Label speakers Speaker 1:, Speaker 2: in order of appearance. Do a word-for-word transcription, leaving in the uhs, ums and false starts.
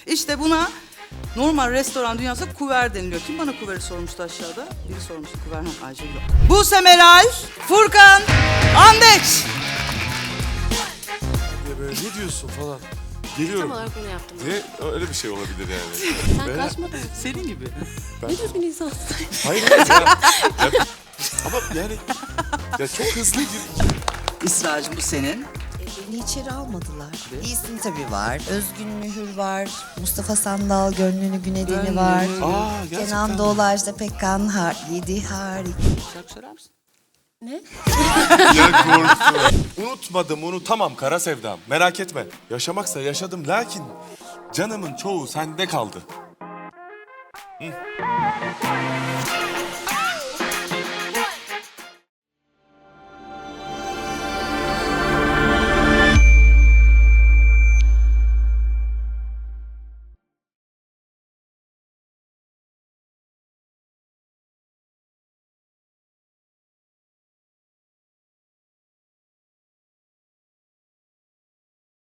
Speaker 1: İşte buna normal restoran dünyasında kuver deniliyor. Kim bana kuveri sormuştu aşağıda? Biri sormuştu kuver. Ha, Ayşe yok. Buse Meral, Furkan, Andeç.
Speaker 2: Ya böyle ne diyorsun falan.
Speaker 3: Tam
Speaker 2: Geliyorum.
Speaker 3: olarak bunu yaptım.
Speaker 2: Ne? Öyle bir şey olabilir yani.
Speaker 3: Sen
Speaker 2: Ben-
Speaker 3: kaçmadın mı?
Speaker 1: Senin gibi.
Speaker 2: Ben-
Speaker 3: Ne düzgün insansın.
Speaker 2: Hayır hayır ya. ya. Ama yani ya çok hızlı gir.
Speaker 1: İsra'cığım bu senin.
Speaker 4: Beni içeri almadılar. Bir isim tabii var. Özgün Mühür var. Mustafa Sandal, Gönlünü Günedeni
Speaker 1: Gönlünü.
Speaker 4: var.
Speaker 2: Aa gerçekten.
Speaker 4: Kenan Doğulu, Ajda Pekkan, har yedi harika.
Speaker 1: Şarkı söyler misin?
Speaker 3: Ne?
Speaker 2: Ya korktum. Unutmadım, unutamam kara sevdam. Merak etme. Yaşamaksa yaşadım lakin canımın çoğu sende kaldı. Hı.